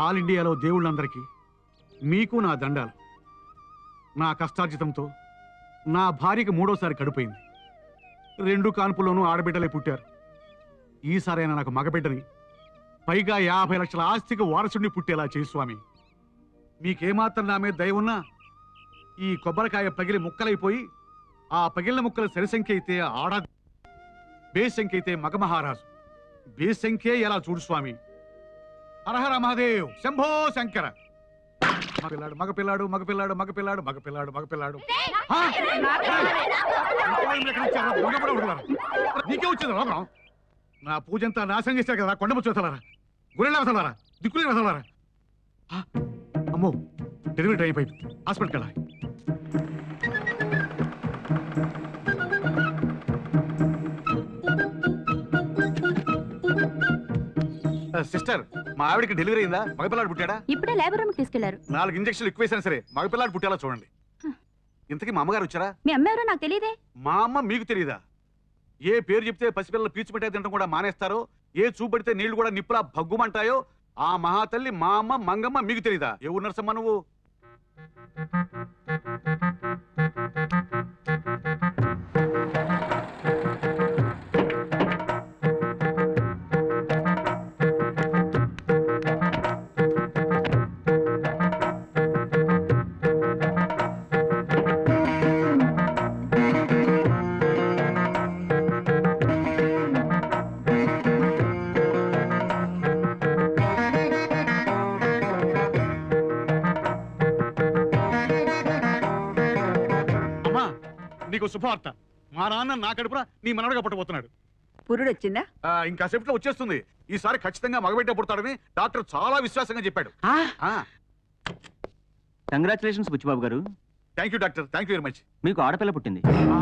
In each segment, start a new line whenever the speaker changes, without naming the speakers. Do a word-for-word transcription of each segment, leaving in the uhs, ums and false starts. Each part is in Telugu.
ఆల్ ఇండియాలో దేవుళ్ళందరికీ మీకు నా దండాలు. నా కష్టార్జితంతో నా భార్యకి మూడోసారి కడుపైంది. రెండు కాన్పుల్లోనూ ఆడబిడ్డలే పుట్టారు. ఈసారైనా నాకు మగబిడ్డని, పైగా యాభై లక్షల ఆస్తికి వారసుడిని పుట్టేలా చేయి స్వామి. మీకేమాత్రం నా మీద దయ ఉన్నా ఈ కొబ్బరికాయ పగిలి ముక్కలైపోయి ఆ పగిలిన ముక్కల సరిసంఖ్య అయితే ఆడ, బేసంఖ్య అయితే మగ మహారాజు. బేసంఖ్యే ఎలా చూడు స్వామి. హరహర మహాదేవ్, శంభో శంకర. మగపిల్లాడు మగపిల్లాడు మగపిల్లాడు మగపిల్లాడు మగపిల్లాడు మగపిల్లాడు నీకే వచ్చింది రోగం. నా పూజంతా నాశనం చేశారు కదా కొండముచ్చు వదలారా, గురెళ్ళ వదలారా, దిక్కులే వదలారా. అమ్మో, డెలివరీ టైం అయిపోయింది, హాస్పిటల్కి వెళ్ళాలి. సిస్టర్, మా ఆవిడికి డెలివరీ అయిందా? మగపిల్లాడు పుట్టాడా?
ఇప్పుడే లేబర్ రూమ్ తీసుకెళ్లారు.
నాలుగు ఇంజక్షన్లు ఎక్కువేసినా సరే మగపిల్లాడు పుట్టేలా చూడండి. ఇంతకీ మా అమ్మగారు వచ్చారా?
మీ అమ్మ ఎవరో నాకు తెలియదే.
మా అమ్మ మీకు తెలియదా? ఏ పేరు చెప్తే పసిపిల్లలు పీచు పెట్టే తినడం కూడా మానేస్తారో, ఏ చూపెడితే నీళ్లు కూడా నిప్పులా భగ్గుమంటాయో ఆ మహాతల్లి మా అమ్మ మంగమ్మ మీకు తెలియదా? ఏ ఊరు నర్సమ్మ నువ్వు? నీకు శుభవార్త. మా నాన్న నా కడుపున నీ మనవడగా పుట్టబోతున్నాడు.
పురుడు వచ్చిందా?
ఇంకా సేపట్లో వచ్చేస్తుంది. ఈసారి ఖచ్చితంగా మగబిడ్డ పుడతాడని డాక్టర్ చాలా విశ్వాసంగా చెప్పాడు.
కంగ్రాచులేషన్స్ బుచ్చిబాబు గారు.
Thank you doctor, thank you very much.
మీకు ఆడపిల్ల పుట్టింది.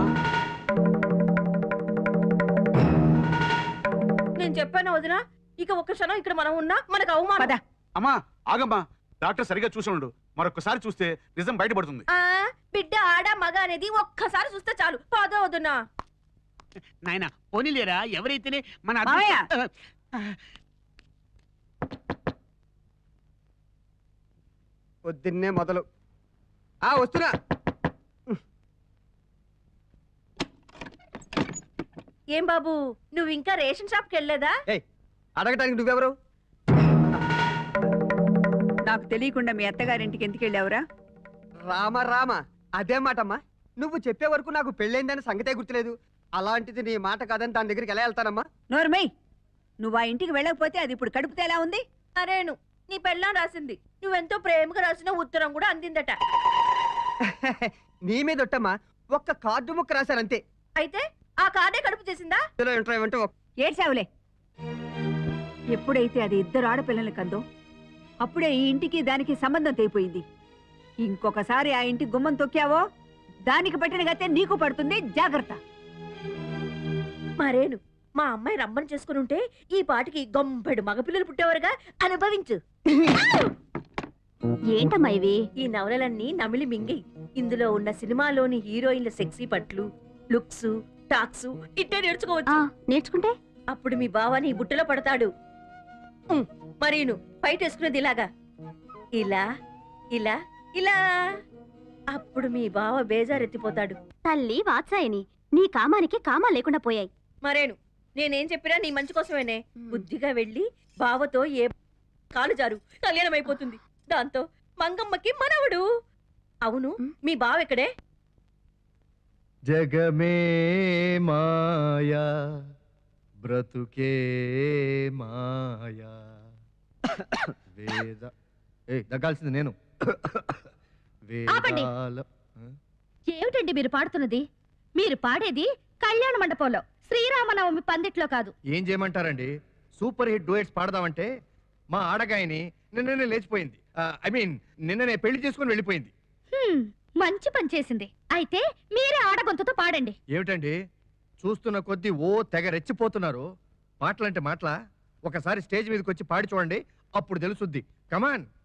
నేను చెప్పాను వదినా, ఇక ఒక్క క్షణం ఇక్కడ మనం ఉన్నా మనకు అవమానం.
అమ్మా ఆగమ్మా, డాక్టర్ సరిగా చూసి ఉండు. మరొకసారి చూస్తే నిజం బయటపడుతుంది.
బిడ్డ ఆడ మగ అనేది ఒక్కసారి చూస్తే చాలు. పదో వదినా.
నాయన పోనీలేరా, ఎవరైతేనే మన
పొద్దున్నే మొదలు. ఆ వస్తున్నా.
ఏం బాబు, నువ్వు ఇంకా రేషన్ షాప్కి వెళ్ళలేదా?
అడగటానికి నువ్వెవరు?
నాకు తెలియకుండా మీ అత్తగారింటికి ఎందుకు వెళ్ళావురా?
రామ రామ, అదే మాటమ్మా. నువ్వు చెప్పే వరకు నాకు పెళ్ళైందని సంగతే గుర్తులేదు. అలాంటిది నీ మాట కాదని దాని దగ్గరికి ఎలా వెళ్తానమ్మా?
నోర్మై, నువ్వు ఆ ఇంటికి వెళ్ళకపోతే అది ఇప్పుడు కడుపుతే ఎలా ఉంది?
అరేను, నీ పెళ్ళాం రాసింది. నువ్వెంతో ప్రేమగా రాసిన ఉత్తరం కూడా అందిందట.
నీ మీద ఒట్టమ్మా, ఒక్క కార్డు ముక్క రాశానంతే.
అయితే ఆ కార్డే కడుపు చేసిందా?
ఏడ్చావులే. ఎప్పుడైతే అది ఇద్దరు ఆడపిల్లలు కందో అప్పుడే ఈ ఇంటికి దానికి సంబంధం తెగిపోయింది. ఇంకొకసారి ఆ ఇంటి గుమ్మం తొక్కావో దానికి పట్టిన గతే నీకు పడుతుంది, జాగ్రత్త.
మరేను, మా అమ్మాయి రమ్మని చేసుకుని ఉంటే ఈ పాటికి గొంపెడు మగపిల్లలు పుట్టేవారుగా. అనుభవించు.
ఏంటమ్మా ఇవి?
ఈ నవలలన్నీ నమిలి మింగి ఇందులో ఉన్న సినిమాలోని హీరోయిన్ల సెక్సీ పట్లు, లుక్స్, టాక్స్ ఇట్టే నేర్చుకోవచ్చు.
నేర్చుకుంటే
అప్పుడు మీ బావ నీ బుట్టలో పడతాడు. మరీను బయట వేసుకునేది ఇలాగా, ఇలా ఇలా ఇలా. అప్పుడు మీ బావ బేజారెత్తిపోతాడు.
తల్లి వాత్సాయని, నీ కామానికి కామా లేకుండా పోయాయి.
మరేను, నేనేం చెప్పినా నీ మంచి కోసమేనే. బుద్ధిగా వెళ్ళి బావతో ఏ కాలు జారు కళ్యాణం అయిపోతుంది. దాంతో మంగమ్మకి మనవడు. అవును, మీ బావ ఎక్కడే?
జగమే మాయా బ్రతుకే మాయా. వేద ఏ దగ్గాల్సింది నేను.
ఏమిటండి మీరు పాడుతున్నది? మీరు పాడేది కళ్యాణ మండపంలో, శ్రీరామనవమి పందిట్లో కాదు.
ఏం చేయమంటారండి? సూపర్ హిట్ డూయట్స్ పాడదామంటే మా ఆడగాయని నిన్ననే లేచిపోయింది. ఐ మీన్ నిన్ననే పెళ్లి చేసుకుని వెళ్ళిపోయింది.
మంచి పని చేసింది. అయితే మీరే ఆడగొంతుతో పాడండి.
ఏమిటండి చూస్తున్న కొద్దీ ఓ తెగ రెచ్చిపోతున్నారు. మాటలంటే మాటలా? ఒకసారి స్టేజ్ మీదకి వచ్చి పాడి చూడండి, అప్పుడు తెలుసుద్ది. కమాన్.